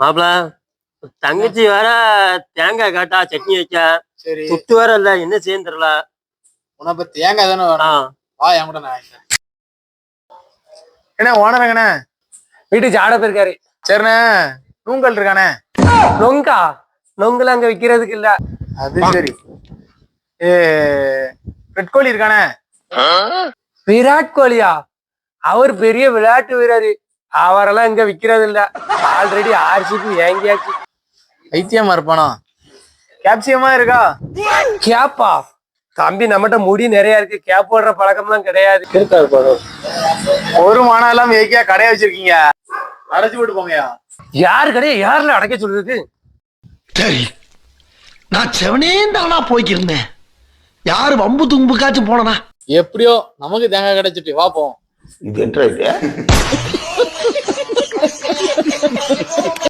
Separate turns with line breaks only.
மாப்பிள தங்கச்சி வேற தேங்காய் காட்டா சட்னி வைக்க.
சரி
துட்டு வேற இல்ல, என்ன செய்யன்னு தெரியல.
உனக்கு தேங்காய் தானே வேணும். வா என் கூட நான் வாங்கிக்கிறேன். என்ன ஓனருங்கண்ணே
வீட்டுக்கு சாட போயிருக்காரு.
சரிண்ணே. நூங்கல் இருக்கானே.
நொங்கா? நொங்குல அங்க விக்கிறதுக்கு இல்ல.
அது சரி. ரெட் கோழி இருக்கானே.
விராட் கோலியா? அவர் பெரிய விளையாட்டு வீரரு, அவரெல்லாம் இங்க விக்கிறது இல்ல. ஆல்ரெடி ஆர்சிபி வாங்கியாச்சு.
வைத்தியமா இருப்பானோ? கேப்சியமா இருக்கா?
கேப்பா? தம்பி நம்மகிட்ட முடி நிறைய இருக்கு, கேப் போடுற பழக்கம்லாம் கிடையாது. இருக்காரு
ஒரு மானம் எல்லாம் ஏக்கியா கடையை வச்சிருக்கீங்க, அடைச்சு போட்டு போங்கயா.
யாரு கடையை யாருல அடைக்க சொல்றது?
சரி, நான் செவனே தானா போய்க்கிருந்தேன். யாரு வம்பு தும்புக்காச்சும் போனனா?
எப்படியோ நமக்கு தேங்காய் கிடைச்சிட்டு வா போவோம்.
இது என்ன